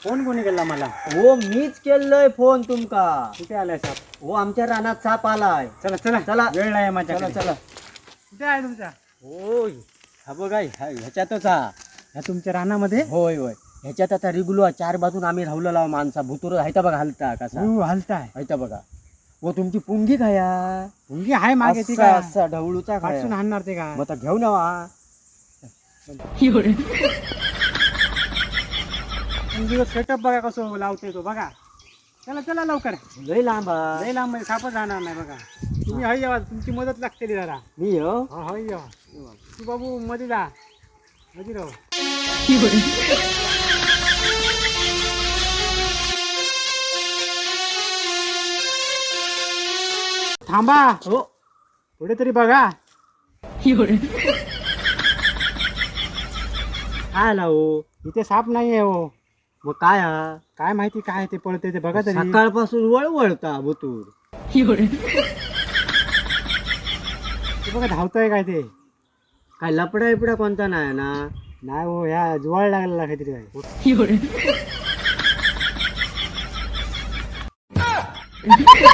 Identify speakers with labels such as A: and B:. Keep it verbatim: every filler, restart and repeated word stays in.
A: Phone कोणी केला मला?
B: हो मीच केलंय फोन तुमका.
A: कुठे आलाय साप?
B: हो आमच्या रानात साप आलाय.
A: चला चला
B: चला.
A: वेळ नाही
B: चला
A: माझ्याकडे.
B: चला.
A: कुठे आहे तुमचा?
B: होय हा बघा ह्या- ह्याच्यातच हा.
A: ह्या तुमच्या रानामध्ये?
B: होय होय ह्याच्यात आता रिगुलो चार बाजून आम्ही राहलेला माणसा भुतुर हायता बघा हलता कसा
A: हो हलताय.
B: हायता बघा. व तुमची पुंगी खाया
A: मुलगी आहे मागे ती
B: असा
A: का?
B: असा ढवळूचा खाया
A: पाठसून आणणार ते का?
B: मग आता घेऊ ना वा.
A: मुलगीवर सेटअप बघा कसं लावते तो बघा. चला चला लवकर.
B: लय लांबा
A: लय लांब आहे, सापच राहणार नाही बघा. तुम्ही हय यावा, तुमची मदत लागते जरा.
B: मी हो
A: हो हय यावा. तू बाबू मध्ये जा, मध्ये राहू. थांबा
B: हो
A: पुढे तरी बघा.
B: काय आला हो
A: इथे साप नाहीये हो.
B: मग काय हा
A: काय माहिती काय ते पळते ते बघा तरी.
B: सकाळपासून वळवळता भुतूर.
A: ते बघा धावतोय काय ते.
B: काय लपडा बिपडा कोणता नाही ना.
A: नाही हो, ह्या जुवाळ लागलेला काहीतरी काय.